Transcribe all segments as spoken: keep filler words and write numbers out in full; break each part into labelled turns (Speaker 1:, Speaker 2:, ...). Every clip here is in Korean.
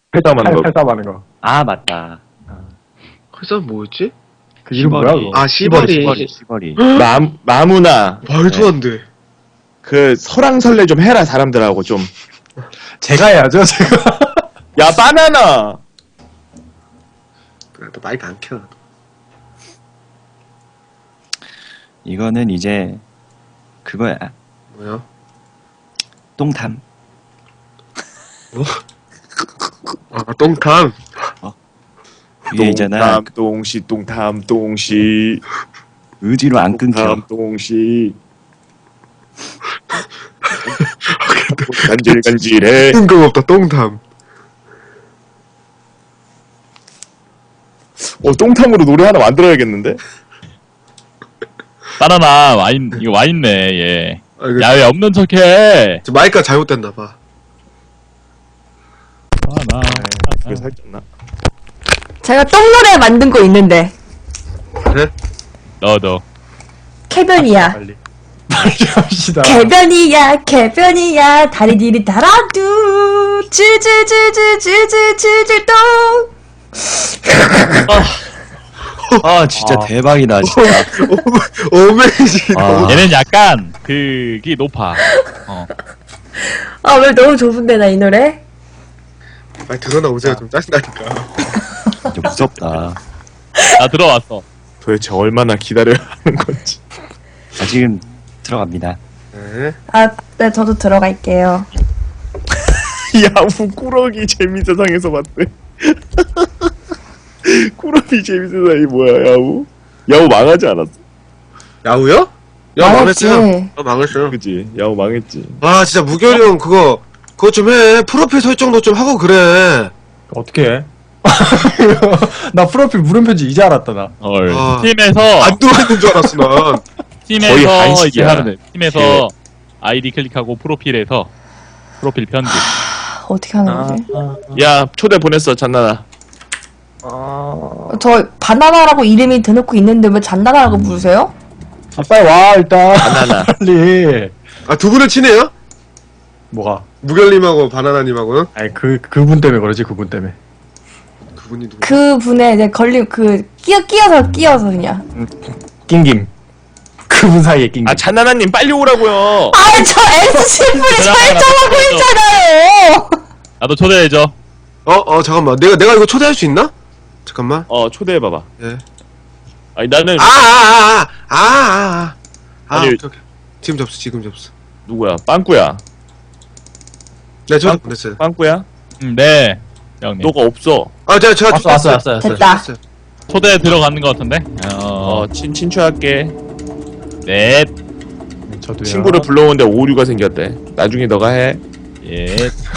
Speaker 1: 팔싸움하는 거.
Speaker 2: 팔싸움하는 거.
Speaker 3: 아 맞다.
Speaker 4: 그래서 뭐였지?
Speaker 2: 그 이름 뭐야 그거?
Speaker 4: 아 시버리.
Speaker 3: 시버리 시버리.
Speaker 1: 마, 마무나
Speaker 4: 말도 안 돼.
Speaker 1: 그 설왕설래 좀 해라 사람들하고 좀.
Speaker 2: 제가 해야죠 제가.
Speaker 1: 야 바나나.
Speaker 4: 또 마이크 안 켜.
Speaker 3: 이거는 이제 그거야.
Speaker 4: 뭐야?
Speaker 3: 똥탐.
Speaker 4: 아 똥탐.
Speaker 3: 이게 있잖아.
Speaker 1: 똥탐 똥시 똥탐 똥시
Speaker 3: 의지로 안 끊겨.
Speaker 1: 똥탐 똥시. 간질간질해.
Speaker 4: 뜬금없다 똥탐.
Speaker 1: 어 똥탐으로 노래 하나 만들어야겠는데?
Speaker 5: 바나나 와인 이거 와인네 얘.
Speaker 4: 아, 이거
Speaker 5: 야 왜 없는 척해?
Speaker 4: 저 마이크가 잘못됐나 봐.
Speaker 5: 바나나.
Speaker 1: 왜 살쪘나?
Speaker 6: 제가 똥노래 만든 거 있는데.
Speaker 4: 그래?
Speaker 5: 너도.
Speaker 6: 개변이야.
Speaker 2: 빨리. 빨리 합시다.
Speaker 6: 개변이야, 개변이야. 다리 뒤리 달아두. 질질질질질질질질 똥.
Speaker 3: 아 진짜
Speaker 2: 아.
Speaker 3: 대박이다 진짜.
Speaker 4: 어메이징.
Speaker 3: 아.
Speaker 5: 얘는 약간 그게 높아. 어.
Speaker 6: 아, 왜 너무 좁은데, 나 이 노래?
Speaker 4: 빨리 들어나오세요. 좀 짜증나니까.
Speaker 3: 진짜 무섭다.
Speaker 5: 나 들어왔어.
Speaker 1: 도대체 얼마나 기다려야 하는 건지.
Speaker 3: 자 지금 들어갑니다.
Speaker 4: 네.
Speaker 6: 아, 네, 저도 들어갈게요.
Speaker 1: 야후 꾸러기 재미세상에서 봤대. 꾸러기 재미세상이 뭐야 야후? 야후 망하지 않았어?
Speaker 4: 야우요? 야
Speaker 6: 망했지.
Speaker 4: 망했어요. 아 망했어요.
Speaker 1: 그지? 야후 망했지.
Speaker 4: 아 진짜 무결이 형 그거 그거 좀 해. 프로필 설정도 좀 하고 그래.
Speaker 2: 어떻게 해? 나 프로필 물음표인지 이제 알았다 나.
Speaker 5: 헐.
Speaker 4: 아.
Speaker 5: 팀에서
Speaker 4: 안 들어있는 줄 알았어 난.
Speaker 1: 거의
Speaker 5: 팀에서
Speaker 1: 한식이야.
Speaker 5: 이게 하면 돼. 팀에서 아이디 클릭하고 프로필에서 프로필 편집.
Speaker 6: 아, 어떻게 하는 거지?
Speaker 1: 야 초대 보냈어 잔나나.
Speaker 6: 저 바나나라고 이름이 대놓고 있는데 왜 잔나나라고 부르세요?
Speaker 2: 아, 빨리 와 일단.
Speaker 1: 바나나.
Speaker 2: 빨리.
Speaker 4: 아 두 분은 친해요?
Speaker 2: 뭐가?
Speaker 4: 무결님하고 바나나님하고는?
Speaker 2: 아니 그 그분 때문에 그러지 그분 때문에.
Speaker 4: 그분이 누구?
Speaker 6: 그 분에 이제 걸림, 그, 끼어, 끼어서, 끼어서 그냥.
Speaker 2: 낑김. 그분 사이에 낑김.
Speaker 1: 아 잔나나님 빨리 오라고요.
Speaker 6: 아, 저 에스씨분이 설정하고 있잖아요!
Speaker 5: 나도 초대해줘.
Speaker 4: 어, 어, 잠깐만. 내가, 내가 이거 초대할 수 있나? 잠깐만.
Speaker 1: 어 초대해봐봐.
Speaker 4: 예.
Speaker 1: 아니 나는
Speaker 4: 아, 아, 아, 아, 아, 아. 아,
Speaker 1: 아니,
Speaker 4: 오케이, 오케이. 지금 접수, 지금 접수.
Speaker 1: 누구야? 빵꾸야.
Speaker 4: 네, 저
Speaker 1: 빵-
Speaker 4: 보냈어요.
Speaker 1: 빵꾸야?
Speaker 5: 음, 네. 형님.
Speaker 1: 너가 없어.
Speaker 4: 아, 제가, 제가
Speaker 2: 왔어 왔어 왔어 왔어.
Speaker 6: 됐다.
Speaker 5: 초대 들어가는 것 같은데? 어.
Speaker 1: 어 친 친추할게.
Speaker 5: 넷.
Speaker 2: 저도요.
Speaker 1: 친구를 불러오는데 오류가 생겼대. 나중에 너가 해.
Speaker 5: 예.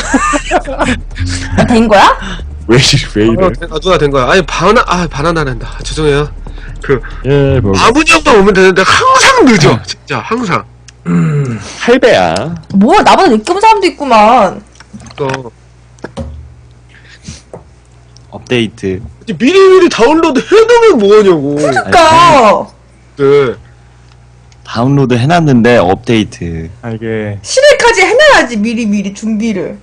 Speaker 6: 아, 된 거야?
Speaker 1: 왜 이래 왜 이래?
Speaker 4: 어, 아, 누나 된 거야. 아니, 바나, 아, 바나나는다. 아, 죄송해요. 그,
Speaker 5: 예, 뭐.
Speaker 4: 아무 형만 오면 되는데 항상 늦어. 진짜, 항상.
Speaker 1: 할배야.
Speaker 6: 뭐야, 나보다 늦게 온 사람도 있구만.
Speaker 4: 또.
Speaker 3: 업데이트.
Speaker 4: 미리미리 다운로드 해놓으면 뭐하냐고.
Speaker 6: 그니까.
Speaker 4: 네.
Speaker 3: 다운로드 해놨는데 업데이트.
Speaker 2: 아 이게
Speaker 6: 십 일까지 해놔야지, 미리미리 준비를.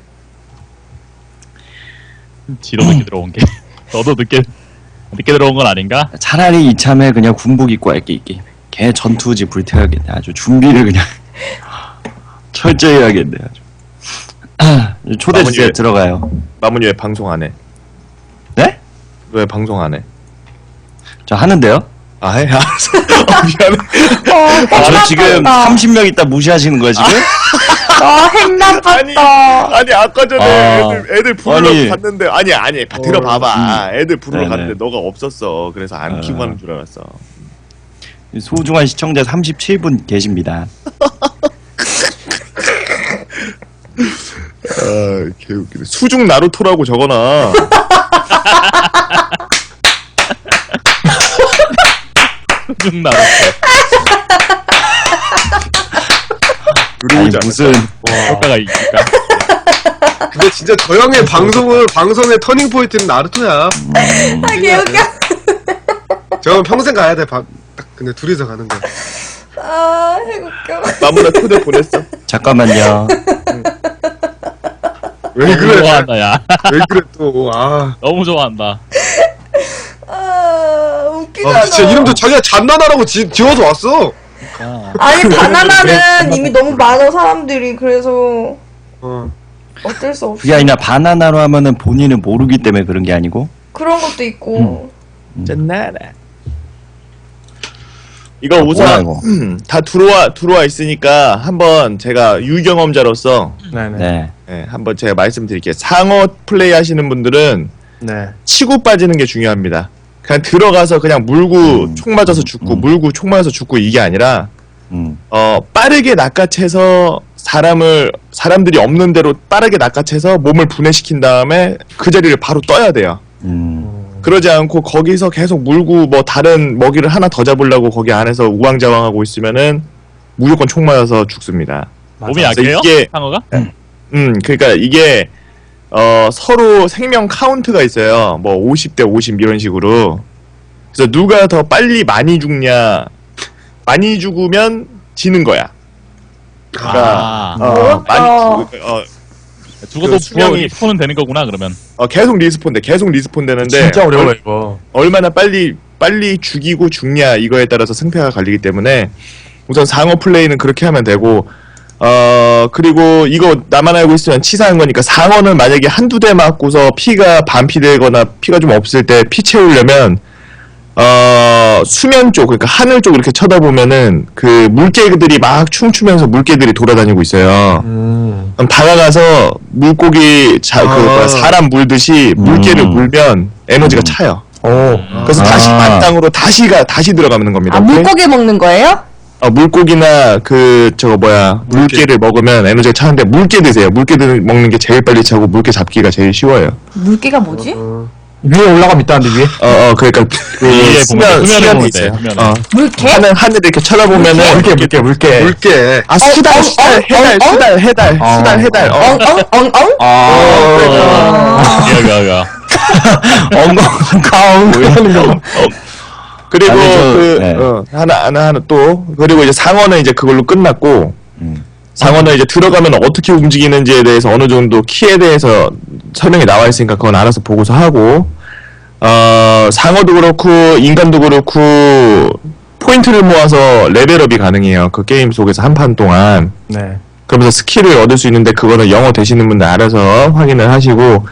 Speaker 5: 지로 늦게 들어온 게. 너도 늦게, 늦게 들어온 건 아닌가?
Speaker 3: 차라리 이참에 그냥 군복 입고 할게 있게. 걔 전투지 불태워야겠네. 아주 준비를 그냥 철저히 해야겠네. 아주. 초대 주세요.
Speaker 1: 마무리.
Speaker 3: 들어가요.
Speaker 1: 마문이 왜 방송 안 해?
Speaker 3: 네?
Speaker 1: 왜 방송 안 해?
Speaker 3: 저 하는데요?
Speaker 1: 아 해? 알았어. 어, 미안해.
Speaker 6: 어,
Speaker 3: 아, 저
Speaker 6: 핵
Speaker 3: 지금
Speaker 6: 나빴다.
Speaker 3: 삼십 명 있다 무시하시는 거야 지금?
Speaker 6: 어, 핵 나빴다.
Speaker 1: 아니 아까 전에
Speaker 3: 아.
Speaker 1: 애들 애들 부르러
Speaker 3: 아니.
Speaker 1: 갔는데 아니 아니 다 들어봐봐. 애들 부르러
Speaker 3: 네네.
Speaker 1: 갔는데 너가 없었어. 그래서 안
Speaker 3: 아.
Speaker 1: 키고 하는 줄 알았어.
Speaker 3: 소중한 시청자 삼십칠 분 계십니다.
Speaker 1: 아 개웃기네. 수중 나루토라고 적어놔.
Speaker 5: 쭉 나왔어.
Speaker 3: 아니
Speaker 1: 들어오지
Speaker 3: 무슨
Speaker 5: 효과가 있을까?
Speaker 4: 근데 진짜 저 형의 방송은, 방송의 터닝포인트는 나루토야.
Speaker 6: 아, 개웃겨.
Speaker 4: 저건 평생 가야 돼, 바, 딱, 근데 둘이서 가는 거야.
Speaker 6: 아, 핵 웃겨.
Speaker 1: 마무나 초대 보냈어.
Speaker 3: 잠깐만요.
Speaker 4: 왜
Speaker 5: 너무
Speaker 4: 그래?
Speaker 5: 좋아한다 야.
Speaker 4: 왜 그래 또? 아,
Speaker 5: 너무 좋아한다.
Speaker 6: 아, 웃기잖아.
Speaker 4: 아 진짜 이름도 자기가 잔나나라고 지, 지어서 왔어.
Speaker 5: 아,
Speaker 6: 아니,
Speaker 2: 그래,
Speaker 6: 바나나는
Speaker 2: 그래.
Speaker 6: 이미 너무 많아, 사람들이. 그래서
Speaker 4: 어.
Speaker 6: 어쩔 수 없어.
Speaker 3: 그게 아니라 바나나로 하면은 본인은 모르기 때문에 그런 게 아니고.
Speaker 6: 그런 것도 있고.
Speaker 1: 짠나라. 이거
Speaker 3: 아, 뭐야,
Speaker 1: 우선
Speaker 3: 이거.
Speaker 1: 음, 다 들어와 들어와 있으니까 한번 제가 유경험자로서
Speaker 2: 네네.
Speaker 3: 네.
Speaker 1: 네, 한번 제가 말씀드릴게요. 상어 플레이 하시는 분들은
Speaker 2: 네.
Speaker 1: 치고 빠지는 게 중요합니다. 그냥 들어가서 그냥 물고
Speaker 3: 음.
Speaker 1: 총 맞아서 죽고
Speaker 3: 음.
Speaker 1: 물고 총 맞아서 죽고 이게 아니라
Speaker 3: 음.
Speaker 1: 어 빠르게 낚아채서 사람을 사람들이 없는 대로 빠르게 낚아채서 몸을 분해시킨 다음에 그 자리를 바로 떠야 돼요.
Speaker 3: 음.
Speaker 1: 그러지 않고 거기서 계속 물고 뭐 다른 먹이를 하나 더 잡으려고 거기 안에서 우왕좌왕하고 있으면은 무조건 총 맞아서 죽습니다.
Speaker 5: 몸이
Speaker 1: 맞아.
Speaker 5: 약해요?
Speaker 1: 이게-
Speaker 5: 상어가?
Speaker 1: 음, 그러니까 이게 어 서로 생명 카운트가 있어요. 뭐 오십 대 오십 이런 식으로. 그래서 누가 더 빨리 많이 죽냐, 많이 죽으면 지는 거야.
Speaker 5: 아,
Speaker 1: 어,
Speaker 6: 어렵다.
Speaker 1: 많이 죽, 어,
Speaker 5: 죽어도
Speaker 1: 그 수명이-
Speaker 5: 리스폰은 되는 거구나 그러면.
Speaker 1: 어, 계속 리스폰돼, 계속 리스폰 되는데
Speaker 2: 진짜 어려워
Speaker 1: 얼,
Speaker 2: 이거.
Speaker 1: 얼마나 빨리 빨리 죽이고 죽냐 이거에 따라서 승패가 갈리기 때문에 우선 상어 플레이는 그렇게 하면 되고. 어 그리고 이거 나만 알고 있으면 치사한 거니까 상어는 만약에 한두 대 맞고서 피가 반피되거나 피가 좀 없을 때 피 채우려면 어 수면 쪽 그러니까 하늘 쪽 이렇게 쳐다보면은 그 물개들이 막 춤추면서 물개들이 돌아다니고 있어요.
Speaker 2: 음.
Speaker 1: 그럼 다가가서 물고기 자, 그
Speaker 4: 아.
Speaker 1: 뭐야, 사람 물듯이 물개를
Speaker 3: 음.
Speaker 1: 물면 에너지가
Speaker 3: 음.
Speaker 1: 차요.
Speaker 2: 오.
Speaker 1: 그래서
Speaker 3: 아.
Speaker 1: 다시 만땅으로 다시가 다시 들어가는 겁니다.
Speaker 6: 아,
Speaker 1: 오케이?
Speaker 6: 물고기 먹는 거예요?
Speaker 1: 어, 물고기나 그 저거 뭐야 물개를 먹으면 에너지가 차는데 물개 드세요. 물개 드- 먹는 게 제일 빨리 차고 물개 잡기가 제일 쉬워요.
Speaker 6: 물개가 뭐지?
Speaker 2: 위에 올라가면 있다는데 위에?
Speaker 1: 어, 어 그러니까 그
Speaker 5: 위에
Speaker 1: 수면
Speaker 5: 보면 돼, 수면에
Speaker 1: 수면에
Speaker 5: 보면
Speaker 1: 있어요.
Speaker 5: 돼, 수면에.
Speaker 1: 어,
Speaker 6: 물개?
Speaker 1: 하늘 하늘 이렇게 쳐다보면은
Speaker 2: 물개 물개 물개.
Speaker 4: 물개.
Speaker 1: 아 수달
Speaker 6: 어,
Speaker 1: 수달
Speaker 6: 어,
Speaker 1: 해달
Speaker 6: 어, 어?
Speaker 1: 수달 해달
Speaker 2: 어.
Speaker 1: 수달 해달 어.
Speaker 6: 엉엉엉엉?
Speaker 2: 아.
Speaker 5: 여기 여기.
Speaker 2: 엉엉 하는 거.
Speaker 1: 그리고
Speaker 3: 아니, 저-
Speaker 1: 그
Speaker 3: 네.
Speaker 1: 어, 하나 하나 하나 또 그리고 이제 상어는 이제 그걸로 끝났고
Speaker 3: 음.
Speaker 1: 상어는 이제 들어가면 어떻게 움직이는지에 대해서 어느 정도 키에 대해서 설명이 나와 있으니까 그건 알아서 보고서 하고 어 상어도 그렇고 인간도 그렇고 포인트를 모아서 레벨업이 가능해요. 그 게임 속에서 한 판 동안.
Speaker 2: 네.
Speaker 1: 그러면서 스킬을 얻을 수 있는데 그거는 영어 되시는 분들 알아서 확인을 하시고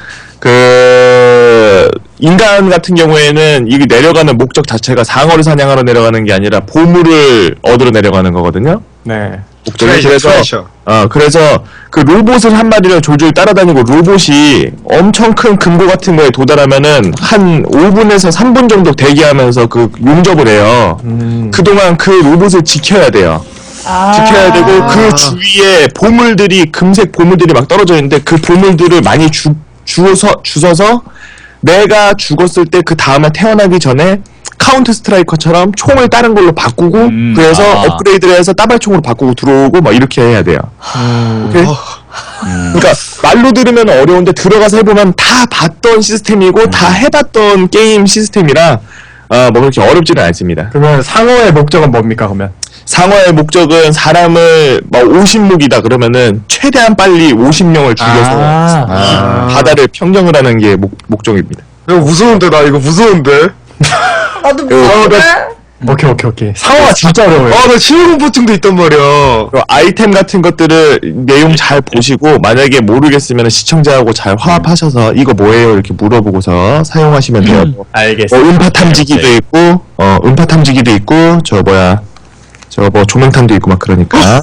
Speaker 1: 그 인간 같은 경우에는 이 내려가는 목적 자체가 상어를 사냥하러 내려가는 게 아니라 보물을 얻으러 내려가는 거거든요.
Speaker 2: 네.
Speaker 1: 목적이
Speaker 4: 트레이셔,
Speaker 1: 그래서
Speaker 4: 트레이셔.
Speaker 1: 어 그래서 그 로봇을 한 마리를 졸졸 따라다니고 로봇이 엄청 큰 금고 같은 거에 도달하면은 한 오 분에서 삼 분 정도 대기하면서 그 용접을 해요.
Speaker 2: 음.
Speaker 1: 그동안 그 로봇을 지켜야 돼요.
Speaker 6: 아.
Speaker 1: 지켜야 되고 그 주위에 보물들이 금색 보물들이 막 떨어져 있는데 그 보물들을 많이 주, 주워서 주워서 내가 죽었을 때 그 다음에 태어나기 전에 카운트 스트라이커처럼 총을 다른 걸로 바꾸고
Speaker 5: 음,
Speaker 1: 그래서
Speaker 5: 아.
Speaker 1: 업그레이드를 해서 따발총으로 바꾸고 들어오고 막 이렇게 해야 돼요.
Speaker 2: 음.
Speaker 1: 오케이? 그러니까 말로 들으면 어려운데 들어가서 해보면 다 봤던 시스템이고 다 해봤던 게임 시스템이라 어, 뭐 그렇게 어렵지는 않습니다.
Speaker 2: 그러면 상어의 목적은 뭡니까 그러면?
Speaker 1: 상어의 목적은 사람을 막 오십 묵이다 그러면은 최대한 빨리 오십 명을 죽여서
Speaker 2: 아.
Speaker 1: 아, 바다를 평정을 하는 게 목, 목적입니다.
Speaker 4: 이거 무서운데 나 이거 무서운데.
Speaker 6: 나도 무서운데?
Speaker 2: 오케이 오케이 오케이. 상어가 진짜 어려워요.
Speaker 4: 아 나 심호흡증도 있단 말이야.
Speaker 1: 그리고 아이템 같은 것들을 내용 잘 보시고 만약에 모르겠으면 시청자하고 잘 화합하셔서 이거 뭐예요 이렇게 물어보고서 사용하시면 돼요. 뭐
Speaker 2: 알겠습니다.
Speaker 1: 음파 탐지기도 있고 어 음파 탐지기도 있고 저 뭐야 저 뭐 조명탄도 있고 막 그러니까.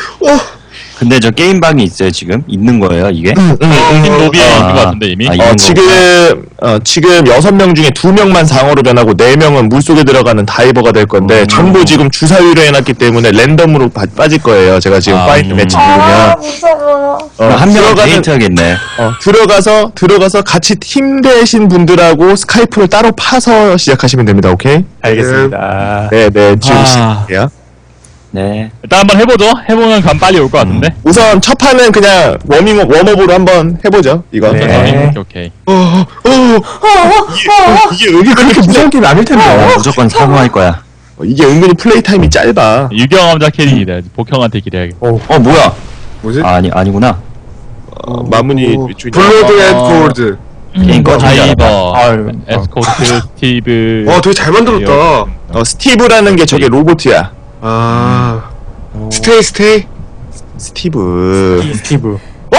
Speaker 3: 근데 저 게임방이 있어요 지금? 있는 거예요 이게?
Speaker 1: 음, 음, 음.
Speaker 5: 로비에
Speaker 3: 아.
Speaker 5: 있는 것 같은데 이미.
Speaker 3: 아,
Speaker 1: 어,
Speaker 3: 있는
Speaker 1: 지금, 어, 지금 여섯 명 중에 두 명만 상어로 변하고 네 명은 물속에 들어가는 다이버가 될 건데,
Speaker 3: 음.
Speaker 1: 전부 지금 주사위로 해놨기 때문에 랜덤으로 빠, 빠질 거예요. 제가 지금
Speaker 3: 아,
Speaker 1: 파이트
Speaker 3: 음.
Speaker 1: 매치
Speaker 6: 아,
Speaker 1: 누르면.
Speaker 6: 무서워.
Speaker 1: 어,
Speaker 3: 한 명은
Speaker 1: 들어가는,
Speaker 3: 데이트 하겠네.
Speaker 1: 어, 들어가서, 들어가서 같이 팀 되신 분들하고 스카이프를 따로 파서 시작하시면 됩니다. 오케이?
Speaker 2: 알겠습니다.
Speaker 1: 네, 네, 지금
Speaker 5: 아.
Speaker 1: 시작할게요.
Speaker 3: 네.
Speaker 5: 일단 한번 해보죠. 해보면 감 빨리 올 것 같은데.
Speaker 1: 우선 첫 판은 그냥 워밍업, 웜업으로 한번 해보죠. 이거.
Speaker 2: 네.
Speaker 5: 오케이 오케이.
Speaker 1: 어, 어, 어, 이게, 이게, 이게 그렇게
Speaker 2: 무서운 게임 아닐 텐데.
Speaker 3: 나 무조건 사과할 거야.
Speaker 1: 어, 이게 은근히 플레이 타임이 짧아.
Speaker 5: 유경험자 캐릭이래. 복형한테 기대야겠다.
Speaker 3: 어 뭐야?
Speaker 4: 뭐지?
Speaker 3: 아, 아니 아니구나.
Speaker 1: 어, 마무리 위쪽이
Speaker 4: 블러드 앤
Speaker 5: 어.
Speaker 4: 골드.
Speaker 3: 게임 꺼주지 않았다.
Speaker 5: 다이버,
Speaker 2: 아유,
Speaker 5: 에스코트, 스티브.
Speaker 4: 와, 되게 잘 만들었다.
Speaker 1: 어 스티브라는 게 저게 로봇이야.
Speaker 4: 아. 스테이, 스테이.
Speaker 1: 스티브.
Speaker 2: 스티브.
Speaker 1: 어?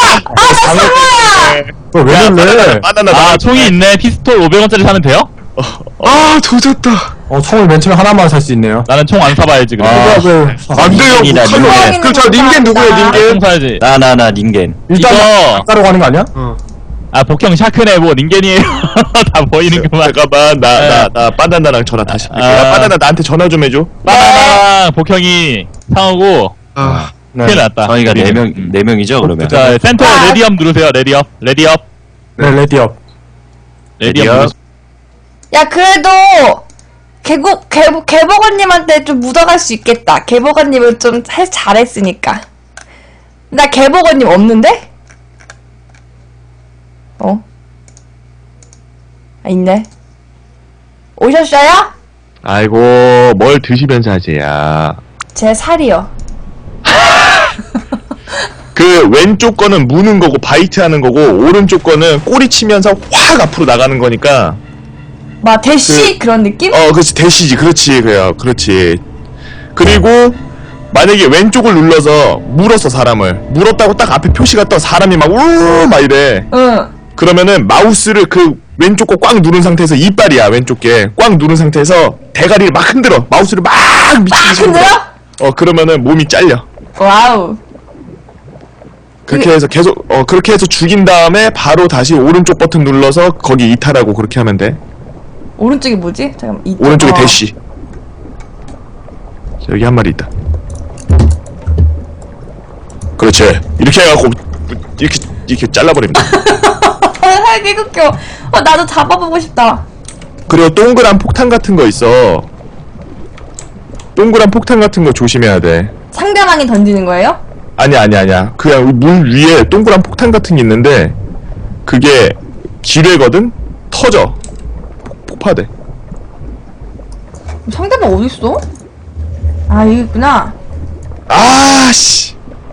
Speaker 2: 어, 왜
Speaker 1: 야,
Speaker 2: 그래?
Speaker 1: 바나나, 바나나
Speaker 5: 아,
Speaker 1: 나와.
Speaker 5: 총이 있네. 피스톨 오백 원짜리 사면 돼요?
Speaker 4: 아, 조졌다.
Speaker 2: 어, 총을 맨 처음에 하나만 살 수 있네요.
Speaker 5: 나는 총 안 사봐야지, 그래.
Speaker 2: 아, 왜?
Speaker 4: 안 돼요.
Speaker 3: 닌겐이다,
Speaker 4: 뭐,
Speaker 3: 닌겐.
Speaker 4: 그럼 저 닌겐 누구예요,
Speaker 5: 아, 총
Speaker 4: 닌겐?
Speaker 5: 사야지.
Speaker 3: 나 나 나 닌겐.
Speaker 2: 일단
Speaker 5: 이거-
Speaker 2: 따로 가는 거 아니야?
Speaker 4: 어.
Speaker 5: 아, 복형 샤크네, 뭐, 닌겐이에요. 다 보이는구만.
Speaker 1: 잠깐만 나 나
Speaker 5: 네.
Speaker 1: 나 바나나랑 전화 다시.
Speaker 5: 아.
Speaker 1: 야 바나나 나한테 전화 좀 해줘.
Speaker 5: 바나나랑 복형이 상하고,
Speaker 4: 아.
Speaker 2: 네.
Speaker 5: 큰일 났다.
Speaker 3: 저희가 네
Speaker 5: 우리는.
Speaker 3: 명 네 명이죠 그러면.
Speaker 5: 자, 센터
Speaker 6: 아.
Speaker 5: 레디업 누르세요, 레디업. 레디업.
Speaker 2: 네, 레디업.
Speaker 5: 레디업.
Speaker 1: 레디업.
Speaker 5: 누르-
Speaker 6: 야, 그래도, 개국, 개, 개버거님한테 좀 묻어갈 수 있겠다. 개버거님은 좀 해, 잘했으니까. 나 개버거님 없는데? 어? 아, 있네. 오셨어요?
Speaker 1: 아이고 뭘 드시면서 하지야.
Speaker 6: 제 살이요.
Speaker 1: 그 왼쪽 거는 무는 거고 바이트 하는 거고 오른쪽 거는 꼬리 치면서 확 앞으로 나가는 거니까.
Speaker 6: 막, 대시? 그, 런 느낌?
Speaker 1: 어 그렇지 대시지 그렇지 그래요 그렇지. 그리고 만약에 왼쪽을 눌러서 물었어 사람을 물었다고 딱 앞에 표시가 떠 사람이 막 우르르 막 이래.
Speaker 6: 응.
Speaker 1: 그러면은 마우스를 그 왼쪽 거 꽉 누른 상태에서 이빨이야 왼쪽 게 꽉 누른 상태에서 대가리를 막 흔들어 마우스를 막 미치게
Speaker 6: 흔들어?
Speaker 1: 어 그러면은 몸이 잘려.
Speaker 6: 와우.
Speaker 1: 그렇게 해서 계속 어 그렇게 해서 죽인 다음에 바로 다시 오른쪽 버튼 눌러서 거기 이탈하고 그렇게 하면 돼.
Speaker 6: 오른쪽이 뭐지? 잠깐만. 이쪽.
Speaker 1: 오른쪽에
Speaker 6: 어.
Speaker 1: 대시. 자, 여기 한 마리 있다. 그렇지. 이렇게 해갖고 이렇게 이렇게 잘라버립니다.
Speaker 6: 아, 개웃겨. 어, 나도 잡아보고 싶다.
Speaker 1: 그리고 동그란 폭탄 같은 거 있어. 동그란 폭탄 같은 거 조심해야 돼.
Speaker 6: 상대방이 던지는 거예요?
Speaker 1: 아니야 아니야 아니야. 그냥 물 위에 동그란 폭탄 같은 게 있는데 그게 기뢰거든. 터져. 폭- 폭파돼.
Speaker 6: 상대방 어딨어? 아, 여기 있구나.
Speaker 1: 아씨.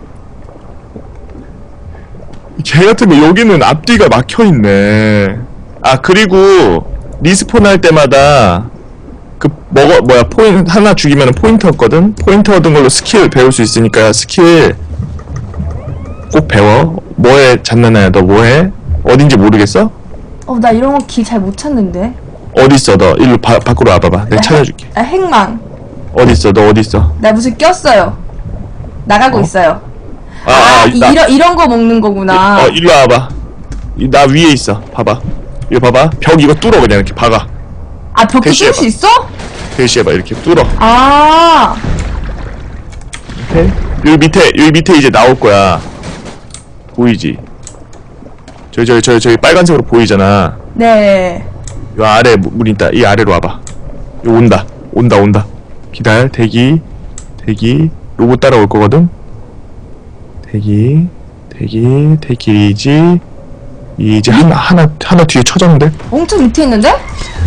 Speaker 1: 개 같으면 여기는 앞뒤가 막혀 있네. 아 그리고 리스폰 할 때마다 그 먹어 뭐야 포인 하나 죽이면 포인트 얻거든. 포인트 얻은 걸로 스킬 배울 수 있으니까 스킬 꼭 배워. 뭐해 잔나나야 너 뭐해? 어딘지 모르겠어?
Speaker 6: 어, 나 이런 거 길 잘 못 찾는데.
Speaker 1: 어딨어 너 일로 바, 밖으로 와봐봐. 내가 찾아줄게.
Speaker 6: 아, 핵망.
Speaker 1: 어딨어 너 어딨어?
Speaker 6: 나 무슨 꼈어요. 나가고 있어요.
Speaker 1: 아,
Speaker 6: 아,
Speaker 1: 아
Speaker 6: 이,
Speaker 1: 나,
Speaker 6: 이런, 이런 거 먹는 거구나.
Speaker 1: 어 일로 와봐. 이, 나 위에 있어. 봐봐. 이거 봐봐. 벽 이거 뚫어 그냥 이렇게 박아.
Speaker 6: 아, 벽도
Speaker 1: 대시해봐.
Speaker 6: 뚫을 수 있어?
Speaker 1: 대시해봐 이렇게 뚫어.
Speaker 6: 아,
Speaker 1: 밑에? 여기 밑에 여기 밑에 이제 나올 거야. 보이지? 저기 저기 저기 저기 빨간색으로 보이잖아.
Speaker 6: 네.
Speaker 1: 요 아래 물- 물 있다. 이 아래로 와봐. 요 온다. 온다 온다. 기다려. 대기. 대기. 로봇 따라올 거거든. 대기. 대기. 대기지. 이제 하나 하나 하나 뒤에 쳐졌는데.
Speaker 6: 엄청 밑에 있는데?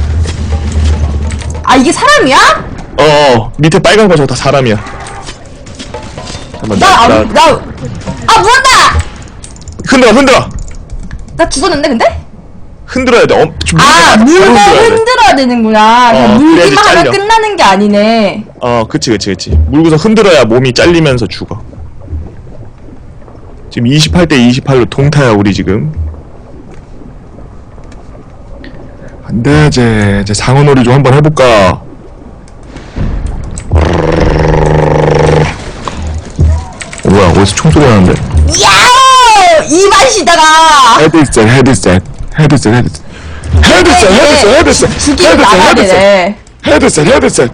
Speaker 6: 아, 이게 사람이야?
Speaker 1: 어, 어 밑에 빨간 거 저거 다 사람이야. 잠깐만.
Speaker 6: 나, 아,
Speaker 1: 나,
Speaker 6: 나, 아, 물었다!
Speaker 1: 흔들어 흔들어.
Speaker 6: 나 죽었는데, 근데?
Speaker 1: 흔들어야 돼. 어, 좀
Speaker 6: 아,
Speaker 1: 바로
Speaker 6: 물고
Speaker 1: 흔들어야 돼.
Speaker 6: 흔들어야 되는구나. 그냥
Speaker 1: 어, 그래야지
Speaker 6: 물기만 하면
Speaker 1: 잘려.
Speaker 6: 끝나는 게 아니네.
Speaker 1: 어, 그치, 그치, 그치. 물고서 흔들어야 몸이 잘리면서 죽어. 지금 이십팔 대 이십팔로 동타야, 우리 지금. 안 돼, 이제. 이제 상어놀이 좀 한번 해볼까. 어, 뭐야, 어디서 총소리 나는데?
Speaker 6: 야오! 이 맛이다가!
Speaker 1: 헤드셋, 헤드셋. 헤드셋, 헤드셋. 헤드셋, 헤드셋, 헤드셋.
Speaker 6: 죽이고
Speaker 1: 헤드셋,
Speaker 6: 나가야
Speaker 1: 헤드셋.
Speaker 6: 되네.
Speaker 1: 헤드셋 헤드셋.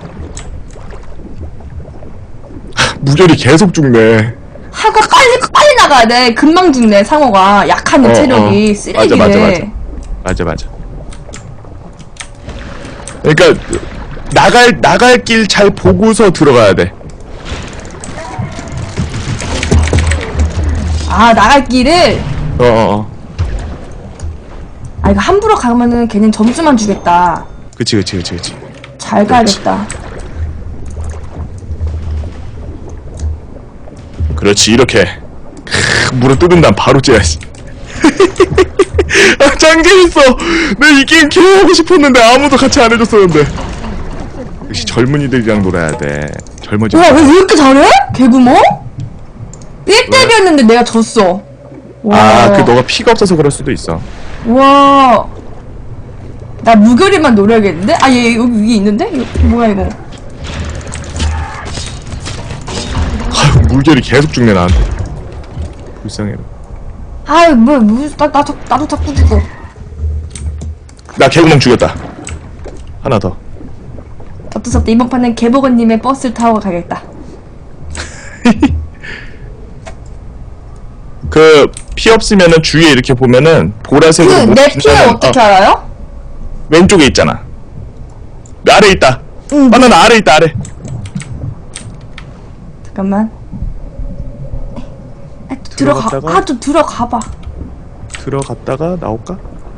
Speaker 1: 하, 무결이 계속 죽네.
Speaker 6: 하고 빨리 빨리 나가야 돼. 금방 죽네 상어가. 약한데
Speaker 1: 어,
Speaker 6: 체력이
Speaker 1: 어.
Speaker 6: 쓰레기네.
Speaker 1: 맞아, 맞아, 맞아. 맞아 맞아. 그러니까 나갈 나갈 길 잘 보고서 들어가야 돼.
Speaker 6: 아, 나갈 길을.
Speaker 1: 어 어 어.
Speaker 6: 아, 이거 함부로 가면은 걔는 점수만 주겠다.
Speaker 1: 그치 그치 그치 그치.
Speaker 6: 잘 가야겠다.
Speaker 1: 그렇지 이렇게. 크, 물어 뜯은 다음 바로 째야지. 아, 짱 재밌어. 내 이 게임 개 하고 싶었는데 아무도 같이 안 해줬었는데. 역시 젊은이들이랑 놀아야 돼. 젊어지.
Speaker 6: 와, 왜 이렇게 잘해? 개구멍? 일 대비였는데 내가 졌어. 와.
Speaker 1: 아, 그 너가 피가 없어서 그럴 수도 있어.
Speaker 6: 와. 나 무결이만 노려야겠는데? 아, 얘 여기 위에 있는데? 이거 뭐야, 이거?
Speaker 1: 아유, 물결이 계속 죽네 나한테. 불쌍해.
Speaker 6: 아유, 뭐, 뭐, 나, 나, 자- 나도 자꾸 죽어.
Speaker 1: 나 개구멍 죽였다. 하나 더.
Speaker 6: 어쩔 수 없다. 이번 판은 개보건님의 버스를 타고 가겠다.
Speaker 1: 그 피 없으면은 주위에 이렇게 보면은 보라색으로
Speaker 6: 그,
Speaker 1: 뭐
Speaker 6: 내 피를
Speaker 1: 빛나는-
Speaker 6: 어떻게
Speaker 1: 어,
Speaker 6: 알아요?
Speaker 1: 왼쪽에 있잖아. 아래 있다.
Speaker 6: 응.
Speaker 1: 바나나 아래 있다 아래.
Speaker 6: 잠깐만. 아, 또 들어가.
Speaker 1: 들어갔다가?
Speaker 6: 아, 좀 들어가봐.
Speaker 1: 들어갔다가 나올까?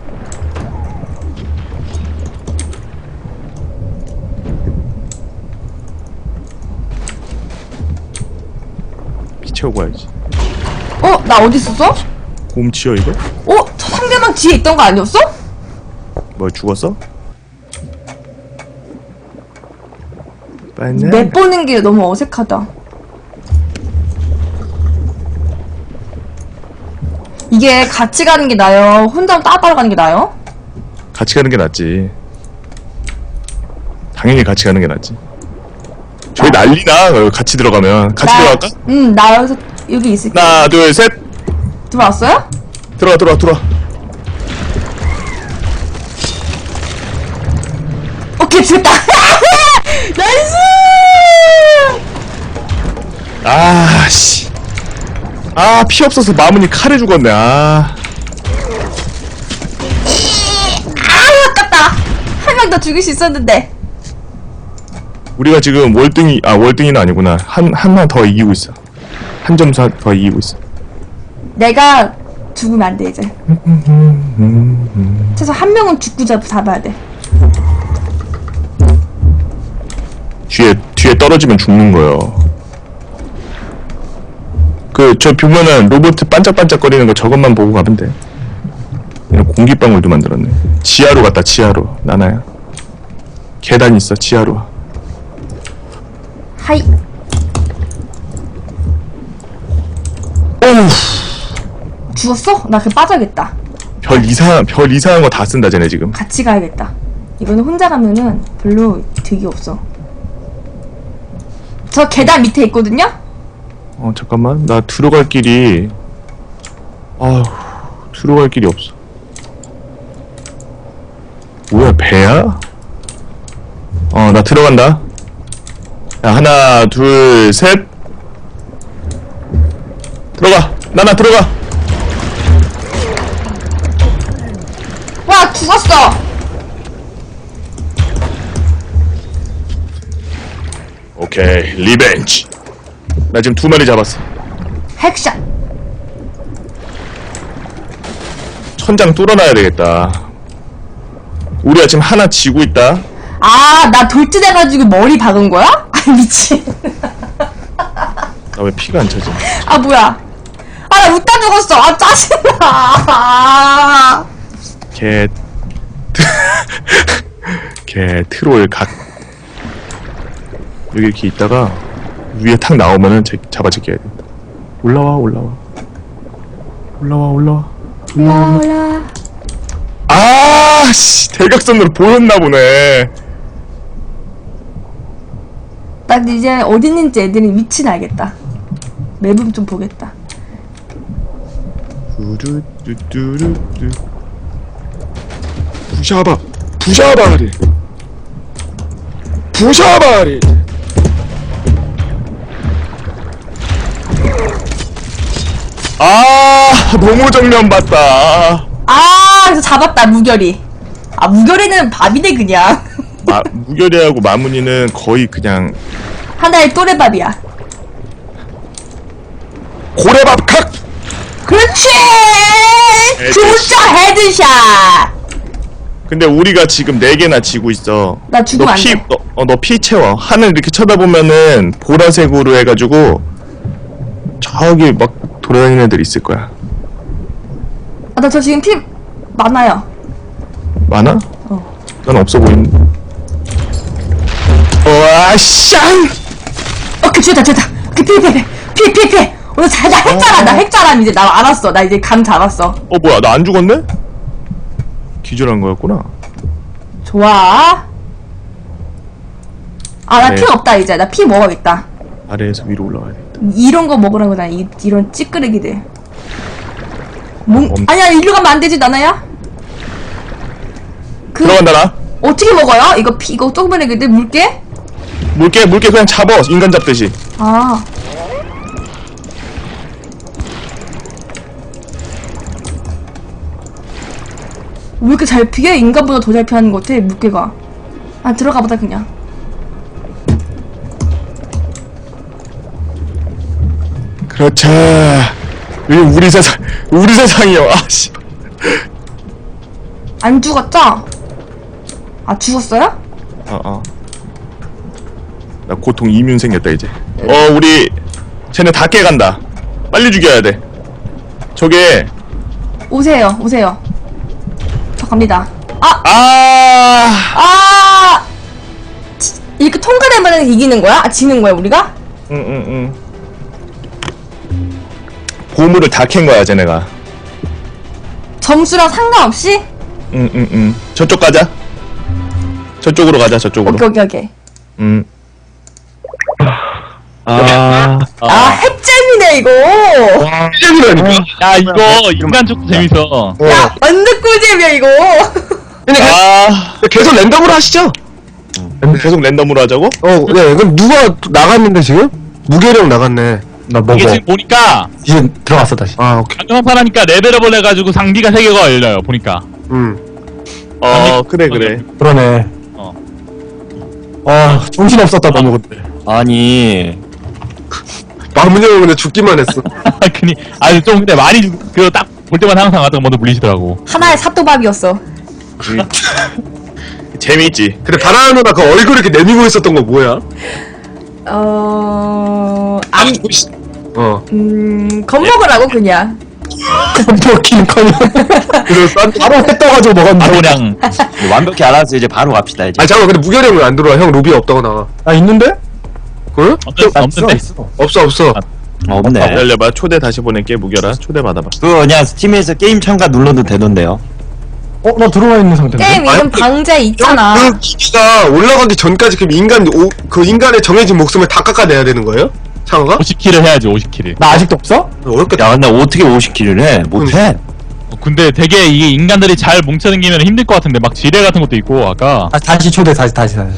Speaker 1: 피 채우고 와야지.
Speaker 6: 어, 나 어디 있었어?
Speaker 1: 곰치여 이거?
Speaker 6: 어, 저 상대방 뒤에 있던 거 아니었어?
Speaker 1: 뭐 죽었어? 바나나.
Speaker 6: 맵 보는 게 너무 어색하다. 이게 같이 가는 게 나아요? 혼자 따로 가는 게 나아요?
Speaker 1: 같이 가는 게 낫지. 당연히 같이 가는 게 낫지. 저희 난리나. 어, 같이 들어가면 같이 들어갈까?
Speaker 6: 응, 나 여기서 여기 있을게.
Speaker 1: 하나 둘 셋.
Speaker 6: 들어왔어요?
Speaker 1: 들어와 들어와 들어와.
Speaker 6: 오케이, 죽였다. 나이스!
Speaker 1: 아, 씨. 아, 피 없어서 마문이 칼에 죽었네, 아.
Speaker 6: 아, 아깝다. 한 명 더 죽일 수 있었는데.
Speaker 1: 우리가 지금 월등히, 아, 월등히는 아니구나. 한, 한만 더 이기고 있어. 한 점수 더 이기고 있어.
Speaker 6: 내가 죽으면 안 돼, 이제. 최소 한 명은 죽고 잡, 잡아야 돼.
Speaker 1: 뒤에, 뒤에 떨어지면 죽는 거요. 그, 저 보면은 로봇 반짝반짝거리는 거 저것만 보고 가면 돼. 그냥 공기방울도 만들었네. 지하로 갔다, 지하로. 나나야. 계단 있어, 지하로.
Speaker 6: 하이.
Speaker 1: 어우.
Speaker 6: 죽었어? 나 그냥 빠져야겠다.
Speaker 1: 별 이상, 별 이상한 거 다 쓴다, 쟤네 지금.
Speaker 6: 같이 가야겠다. 이거는 혼자 가면은 별로 득이 없어. 저 계단 밑에 있거든요?
Speaker 1: 어, 잠깐만. 나 들어갈 길이. 아휴, 들어갈 길이 없어. 뭐야, 배야? 어, 나 들어간다. 야, 하나, 둘, 셋. 들어가. 나나 들어가.
Speaker 6: 와, 죽었어!
Speaker 1: 오케이, 리벤지. 나 지금 두 마리 잡았어.
Speaker 6: 핵샷!
Speaker 1: 천장 뚫어놔야 되겠다. 우리가 지금 하나 지고 있다.
Speaker 6: 아, 나 돌진해가지고 머리 박은 거야? 아, 미친.
Speaker 1: 나 왜 피가 안 차지?
Speaker 6: 아, 뭐야. 아, 나 웃다 죽었어. 아, 짜증나. 아,
Speaker 1: 개. 개 트롤 각. 여기 이렇게 있다가 위에 탁 나오면은 제, 잡아채겨야 된다. 올라와 올라와 올라와 올라와 올라와.
Speaker 6: 올라.
Speaker 1: 아, 씨, 대각선으로 보였나 보네.
Speaker 6: 나 이제 어디 있는지 애들이 위치는 알겠다. 맵은 좀 보겠다.
Speaker 1: 두루두두루두. 부샤바, 부샤바리, 부샤바리. 아, 너무 정면 봤다.
Speaker 6: 아, 그래서 잡았다, 무결이. 아, 무결이는 밥이네, 그냥.
Speaker 1: 마, 무결이하고 마무니는 거의 그냥
Speaker 6: 하나의 또래밥이야.
Speaker 1: 고래밥 칵.
Speaker 6: 그렇지!
Speaker 1: 헤드샷.
Speaker 6: 진짜 헤드샷!
Speaker 1: 근데 우리가 지금 네 개나 지고 있어.
Speaker 6: 나 죽으면 안
Speaker 1: 피,
Speaker 6: 돼.
Speaker 1: 너, 어, 너 피 채워. 하늘 이렇게 쳐다보면은 보라색으로 해가지고 저기 막 돌아다니는 애들 있을 거야.
Speaker 6: 아, 나 저 지금 피 많아요.
Speaker 1: 많아?
Speaker 6: 어.
Speaker 1: 난 없어 보이는. 와, 샹!
Speaker 6: 오케이, 좋다, 좋다. 오케이, 피해, 피해, 피해, 피해, 피해. 오늘 잘, 나 핵자라, 나 핵자람 이제 나 알았어. 나 이제 감 잡았어.
Speaker 1: 어, 뭐야, 나 안 죽었네? 기절한 거였구나.
Speaker 6: 좋아. 아, 나
Speaker 1: 네.
Speaker 6: 피 없다, 이제. 나 피 먹어야겠다.
Speaker 1: 아래에서 위로 올라가야 돼.
Speaker 6: 이런 거 먹으라고, 나 이, 이런 찌끄레기들. 몽,
Speaker 1: 엄-
Speaker 6: 아니야, 일로 가면 안 되지, 나나야? 그,
Speaker 1: 들어간다, 나.
Speaker 6: 어떻게 먹어요? 이거 피, 이거 조그만 애기들 물게?
Speaker 1: 물개, 물개 그냥 잡어. 인간 잡듯이.
Speaker 6: 아. 왜 이렇게 잘 피해? 인간보다 더 잘 피하는 것 같아, 물개가. 아, 들어가보다, 그냥.
Speaker 1: 그렇죠. 여기 우리 세상, 우리 세상이요. 아, 씨.
Speaker 6: 안 죽었죠? 아, 죽었어요?
Speaker 1: 어, 어. 나 고통 이뮨 생겼다, 이제. 어, 우리, 쟤네 다 깨간다. 빨리 죽여야 돼. 저게,
Speaker 6: 오세요, 오세요. 저 갑니다. 아!
Speaker 1: 아,
Speaker 6: 아! 치- 이렇게 통과되면 이기는 거야? 아, 지는 거야, 우리가?
Speaker 1: 응, 응, 응. 보물을 다 캔 거야, 쟤네가.
Speaker 6: 점수랑 상관없이?
Speaker 1: 응, 응, 응. 저쪽 가자. 저쪽으로 가자, 저쪽으로.
Speaker 6: 오케이, 오케이, 오케이.
Speaker 1: 응. 아,
Speaker 6: 아, 핵잼이네, 이거!
Speaker 4: 시작이라니까.
Speaker 5: 야 이거 인간 쪽도 재밌어.
Speaker 6: 야, 완전 꿀잼이야, 이거!
Speaker 1: 아,
Speaker 4: 계속 랜덤으로 하시죠.
Speaker 1: 계속 랜덤으로 하자고?
Speaker 4: 어, 네. 그럼 누가 나갔는데 지금? 무게령 나갔네.
Speaker 2: 나 먹어.
Speaker 5: 이게 지금 보니까
Speaker 2: 이제 들어갔어 다시.
Speaker 4: 아, 오케이.
Speaker 5: 방금 하니까 레벨업을 해가지고 장비가 세 개가 열려요. 보니까.
Speaker 4: 음.
Speaker 1: 어, 그래, 그래.
Speaker 2: 그러네.
Speaker 5: 어.
Speaker 2: 아 정신 없었다 너무 그때.
Speaker 3: 아니
Speaker 4: 마문형은 근데 죽기만 했어.
Speaker 5: 그니 아니 좀 근데 많이 그 딱 볼 때마다 항상 가다가 먼저 물리시더라고.
Speaker 6: 하나의 사또밥이었어.
Speaker 1: 재미있지.
Speaker 4: 근데 바나나 누나 그 얼굴 이렇게 내미고 있었던 거 뭐야?
Speaker 6: 어... 안,
Speaker 4: 어.
Speaker 6: 음... 겁먹으라고, 그냥.
Speaker 2: 먹기는커녕
Speaker 4: 그래서 싼.
Speaker 2: 바로 해 떠가지고 먹었는데.
Speaker 5: 바로 그냥
Speaker 3: 완벽히 알아서 이제 바로 갑시다 이제.
Speaker 4: 아 잠깐 근데 무게령 왜 안 들어와? 형 로비 없다고 나와.
Speaker 2: 아 있는데?
Speaker 4: 응?
Speaker 5: 없는, 없는데.
Speaker 2: 있어.
Speaker 4: 없어 없어.
Speaker 3: 어, 없네.
Speaker 1: 열려봐. 초대 다시 보낼게. 무결아. 초대 받아봐.
Speaker 3: 그거 그냥 스팀에서 게임 참가 눌러도 되던데요.
Speaker 2: 어 나 들어와 있는 상태인데.
Speaker 6: 게임 이름
Speaker 4: 아니,
Speaker 6: 방제 있잖아.
Speaker 4: 그 기기가 올라가기 전까지 그럼 인간 오, 그 인간의 정해진 목숨을 다 깎아내야 되는 거예요? 상어가?
Speaker 5: 오십 킬을 해야지 오십 킬을.
Speaker 2: 나 아직도 없어?
Speaker 4: 어렵겠다.
Speaker 3: 야 근데 어떻게 오십 킬을 해? 못해.
Speaker 5: 근데 되게 이게 인간들이 잘 뭉쳐다니면 힘들 것 같은데 막 지뢰 같은 것도 있고 아까
Speaker 2: 아 다시 초대 다시 다시 다시.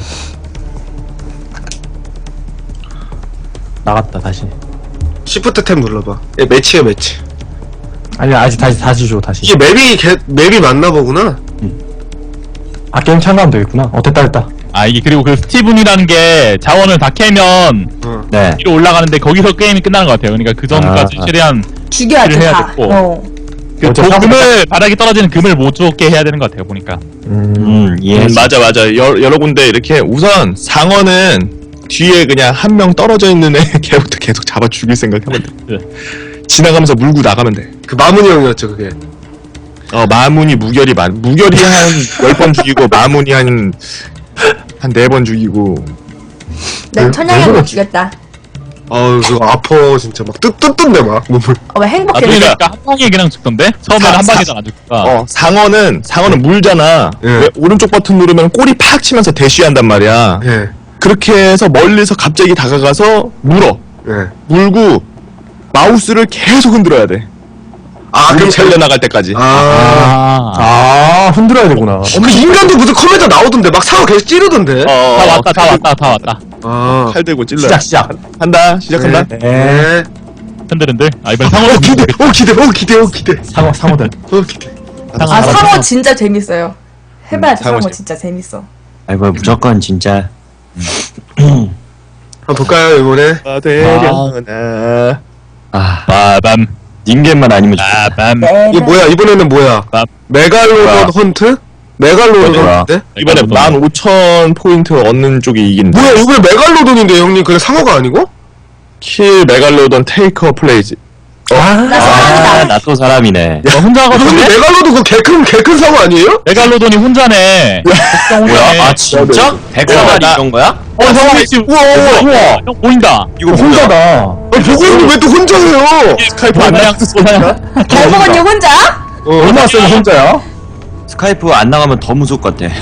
Speaker 2: 나갔다 다시.
Speaker 4: 시프트 탭 눌러봐. 예, 매치야 매치.
Speaker 2: 아니 아직 다시 다시 줘 다시.
Speaker 4: 이게 맵이 개, 맵이 맞나 보구나.
Speaker 2: 아 게임 참가하면 되겠구나. 어 됐다 됐다.
Speaker 5: 아 이게 그리고 그 스티븐이라는 게 자원을 다 캐면
Speaker 4: 어.
Speaker 3: 네.
Speaker 5: 위로 올라가는데 거기서 게임이 끝나는 것 같아요. 그러니까 그 전까지
Speaker 3: 아, 아.
Speaker 5: 최대한
Speaker 6: 죽여야지,
Speaker 5: 해야
Speaker 6: 다.
Speaker 5: 됐고.
Speaker 6: 어.
Speaker 5: 그
Speaker 2: 어째
Speaker 5: 도-
Speaker 2: 사고가-
Speaker 5: 금을 바닥에 떨어지는 금을 못 죽게 해야 되는 것 같아요. 보니까.
Speaker 2: 음.
Speaker 3: 음 예.
Speaker 1: 음, 맞아, 맞아. 여, 여러 군데 이렇게 우선 상어는 뒤에 그냥 한 명 떨어져 있는 애 걔부터 계속 잡아 죽일 생각하면 돼.
Speaker 5: 네.
Speaker 1: 지나가면서 물고 나가면 돼.
Speaker 4: 그 마문이 형이었죠 그게.
Speaker 1: 어, 마문이 무결이 많. 무결이 한 열 번 죽이고 마문이 한 한 네 번 죽이고.
Speaker 6: 난
Speaker 2: 왜-
Speaker 6: 천양이
Speaker 2: 왜
Speaker 6: 못
Speaker 2: 그러지?
Speaker 6: 죽였다.
Speaker 4: 아우 그거 아파 진짜 막 뜨뜻뜬데 막 몸을.
Speaker 6: 어, 왜
Speaker 5: 아,
Speaker 6: 행복해?
Speaker 5: 그러니까 한 방에 그냥 죽던데? 처음에는
Speaker 1: 사-
Speaker 5: 한
Speaker 1: 사-
Speaker 5: 방에도 안 죽다가.
Speaker 1: 어, 상어는 상어는 물잖아.
Speaker 4: 예.
Speaker 1: 왜 오른쪽 버튼 누르면 꼬리 팍 치면서 대쉬한단 말이야.
Speaker 4: 예.
Speaker 1: 그렇게 해서 멀리서 갑자기 다가가서 물어.
Speaker 4: 예.
Speaker 1: 물고 마우스를 계속 흔들어야 돼.
Speaker 4: 아
Speaker 1: 물이
Speaker 4: 그럼
Speaker 1: 살려 나갈 때까지.
Speaker 4: 아.
Speaker 5: 아,
Speaker 2: 아 흔들어야 되구나.
Speaker 4: 그 인간도 무슨 컴퓨터 나오던데 막 상어 계속 찌르던데.
Speaker 1: 어,
Speaker 5: 다 왔다, 다 왔다, 다 왔다.
Speaker 4: 아.
Speaker 1: 칼 들고 찔러.
Speaker 2: 시작 시작.
Speaker 1: 한다. 시작한다.
Speaker 2: 네.
Speaker 4: 네.
Speaker 5: 흔들흔들. 아, 이번엔
Speaker 4: 어
Speaker 5: 상어도
Speaker 4: 기대. 어 기대. 어 기대. 어 기대.
Speaker 2: 상어 상어들.
Speaker 4: 어 기대.
Speaker 6: 아, 상어 진짜 재밌어요. 해봐야지,
Speaker 1: 음, 상어
Speaker 6: 상어
Speaker 1: 재밌-
Speaker 6: 진짜 재밌어.
Speaker 3: 아이고 무조건 진짜.
Speaker 4: 한번 볼까요 이번에?
Speaker 1: 아, 되려나.
Speaker 3: 아
Speaker 5: 빠밤,
Speaker 3: 닌겐만 아니면 좋겠다.
Speaker 5: 빠밤.
Speaker 6: 네.
Speaker 4: 이게 뭐야 이번에는 뭐야?
Speaker 5: 아.
Speaker 4: 메갈로돈
Speaker 3: 뭐야?
Speaker 4: 헌트? 메갈로돈
Speaker 3: 뭐야?
Speaker 4: 헌트?
Speaker 1: 이번에 만 오천 포인트 얻는 쪽이 이긴다.
Speaker 4: 뭐야 이번에 메갈로돈인데 형님 그래 상어가 아니고?
Speaker 1: 킬 메갈로돈 테이커 플레이즈.
Speaker 6: 나
Speaker 3: 아,
Speaker 6: 사람이다.
Speaker 3: 나 또 사람이네.
Speaker 5: 너 혼자
Speaker 4: 아, 근데
Speaker 5: 하거든?
Speaker 4: 메갈로도 그 개큰 개큰 상어 아니에요?
Speaker 5: 메갈로돈이 혼자네. 걱정 혼자네.
Speaker 3: 뭐야? 아, 진짜? 백사마리
Speaker 1: 나-
Speaker 3: 이런 거야?
Speaker 5: 어, 형, 지금
Speaker 4: 우와, 우와, 우와.
Speaker 5: 형 보인다.
Speaker 3: 이거 뭐야?
Speaker 2: 혼자다.
Speaker 4: 아니, 보고형님 왜 또 혼자 해요?
Speaker 1: 스카이프 안 나가서 소리가?
Speaker 6: 개복언니 혼자?
Speaker 2: 얼마나 세서 혼자야?
Speaker 3: 스카이프 안 나가면 더 무서울 것 같아.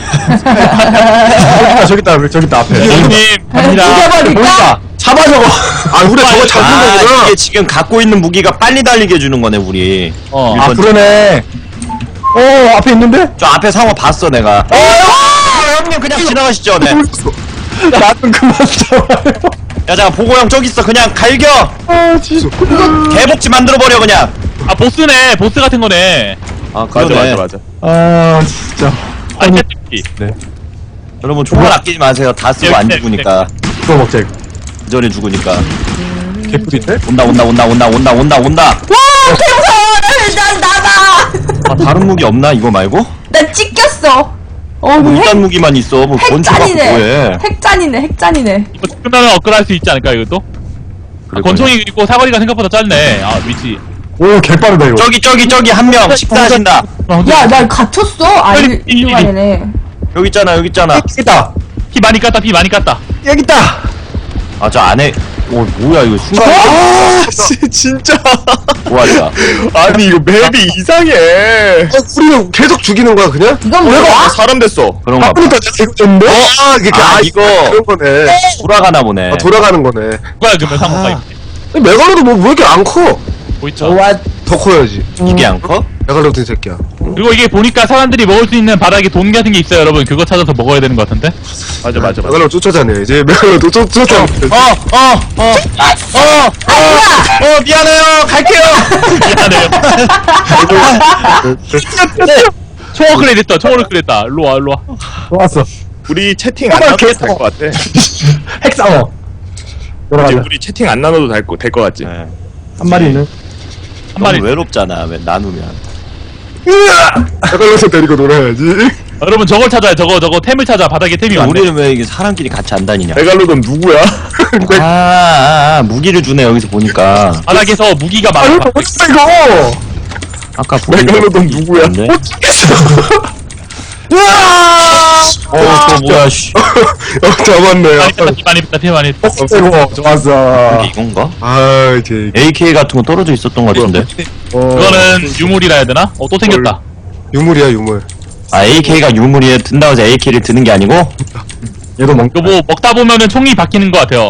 Speaker 2: 저기 있다, 저기 있다, 저기 있다, 앞에.
Speaker 5: 형님, 갑니다.
Speaker 6: 죽여버릴까?
Speaker 2: 잡아, 저거.
Speaker 4: 아, 우리 저거 잡는
Speaker 3: 아,
Speaker 4: 거구나.
Speaker 3: 이게 지금 갖고 있는 무기가 빨리 달리게 해주는 거네, 우리.
Speaker 5: 어.
Speaker 2: 아, 그러네. 어, 앞에 있는데?
Speaker 3: 저 앞에 상어 봤어, 내가. 어, 형님 그냥 지나가시죠, 네.
Speaker 2: 나좀 그만 잡아요.
Speaker 3: 야, 자, 보고형 저기 있어. 그냥 갈겨.
Speaker 2: 아, 진짜.
Speaker 3: 개복지 만들어버려, 그냥.
Speaker 5: 아, 보스네. 보스 같은 거네.
Speaker 3: 아,
Speaker 1: 맞아
Speaker 3: 그러네.
Speaker 1: 맞아 맞아.
Speaker 2: 아, 진짜.
Speaker 5: 아, 채찍기.
Speaker 3: 여러분, 총알 아끼지 마세요. 다 쓰고 안
Speaker 5: 네,
Speaker 3: 죽으니까.
Speaker 2: 이거 먹자, 이거.
Speaker 3: 그 전에 죽으니까.
Speaker 2: 개꿀인데?
Speaker 3: 온다, 온다, 온다, 온다, 온다, 온다, 온다.
Speaker 6: 와, 태우서! 난 나가!
Speaker 3: 아, 다른 무기 없나? 이거 말고?
Speaker 6: 나 찢겼어. 어,
Speaker 3: 뭐
Speaker 6: 뭐 핵,
Speaker 3: 일단 무기만 있어. 뭐 권총 갖고
Speaker 6: 핵짠이네.
Speaker 3: 뭐해.
Speaker 6: 핵짠이네, 핵짠이네.
Speaker 5: 이거 끝나면 업그레이드 할 수 있지 않을까, 이것도? 아, 권총이 있고 사거리가 생각보다 짧네. 아, 위치.
Speaker 2: 오, 개빠르다, 이거.
Speaker 3: 저기, 저기, 저기 한 명 식사하신다.
Speaker 6: 야, 나 갇혔어. 아니,
Speaker 5: 이- 이-
Speaker 6: 이만이네.
Speaker 3: 여기 있잖아, 여기 있잖아.
Speaker 2: 여기 있다.
Speaker 5: 피 많이 깠다, 피 많이 깠다.
Speaker 2: 여기 있다.
Speaker 3: 아, 저 안에. 오, 뭐야, 이거 순간.
Speaker 1: 아 씨, 진짜.
Speaker 3: 뭐하자.
Speaker 1: 아니 이거 맵이 이상해.
Speaker 4: 어, 우리는 계속 죽이는 거야, 그냥?
Speaker 6: 이건
Speaker 1: 아,
Speaker 6: 뭐야?
Speaker 1: 사람 됐어.
Speaker 3: 그런가 봐.
Speaker 2: 아프니까 내가 이거 줬는데?
Speaker 4: 아, 이게,
Speaker 3: 아,
Speaker 4: 아,
Speaker 3: 이거.
Speaker 4: 그런 거네.
Speaker 3: 돌아가나 보네.
Speaker 4: 아, 돌아가는 거네.
Speaker 5: 누가 그러면 상호가 있네.
Speaker 4: 근데 메갈로도 뭐, 왜 이렇게 안 커?
Speaker 5: 보이죠?
Speaker 4: 더 커야지.
Speaker 3: 이게 안 커?
Speaker 4: 메갈로도 이 새끼야.
Speaker 5: 그리고 이게 보니까 사람들이 먹을 수 있는 바닥에 돈 같은 게 있어요, 여러분. 그거 찾아서 먹어야 되는 것 같은데?
Speaker 1: 맞아 맞아 맞아.
Speaker 4: 메갈로 쫓아다녀. 이제 메갈로도 쫓- 쫓아다녀.
Speaker 3: 어, 어, 어, 어, 어, 어, 미안해요. 갈게요.
Speaker 5: 미안해요. 총어크레 됐다, 총어크레 됐다. 일로 와, 일로 와.
Speaker 2: 좋았어.
Speaker 1: 우리 채팅 안
Speaker 2: 정말
Speaker 1: 나눠도
Speaker 2: 개싸워.
Speaker 1: 될 것 같아.
Speaker 2: 핵상어.
Speaker 1: 이제
Speaker 2: 돌아가자.
Speaker 1: 우리 채팅 안 나눠도 될것 될것 같지.
Speaker 3: 네.
Speaker 2: 한 마리 있는.
Speaker 5: 한 마리.
Speaker 3: 너무 외롭잖아. 왜 나누면.
Speaker 4: 메갈로도 데리고 놀아야지.
Speaker 5: 여러분, 저걸 찾아요, 저거, 저거. 템을 찾아, 바닥에 템이 많네.
Speaker 3: 우리는 왜 이게 사람끼리 같이 안 다니냐?
Speaker 1: 메갈로돈 누구야?
Speaker 3: 아, 아, 아, 무기를 주네 여기서 보니까.
Speaker 5: 바닥에서 무기가
Speaker 2: 아,
Speaker 5: 많아.
Speaker 2: 이거 어딨어, 이거?
Speaker 3: 아까 보니까
Speaker 1: 메갈로돈 누구야?
Speaker 3: 있는데? 어, 또 뭐야, 씨.
Speaker 4: 어, 잡았네.
Speaker 5: 많이 뺐다, 피 많이 뺐다, 피 많이 뺐다.
Speaker 2: 이거 좋았어.
Speaker 3: 이게 이건가?
Speaker 4: 아, 이제.
Speaker 3: 에이케이 같은 거 떨어져 있었던 것 같은데.
Speaker 2: 어.
Speaker 5: 그거는 유물이라 해야 되나? 어, 또 생겼다.
Speaker 4: 유물이야, 유물.
Speaker 3: 아, 에이케이가 유물이에 든다고 해서 에이케이를 드는 게 아니고?
Speaker 2: 얘도 먹.
Speaker 5: 이거 뭐 먹다 보면은 총이 바뀌는 것 같아요.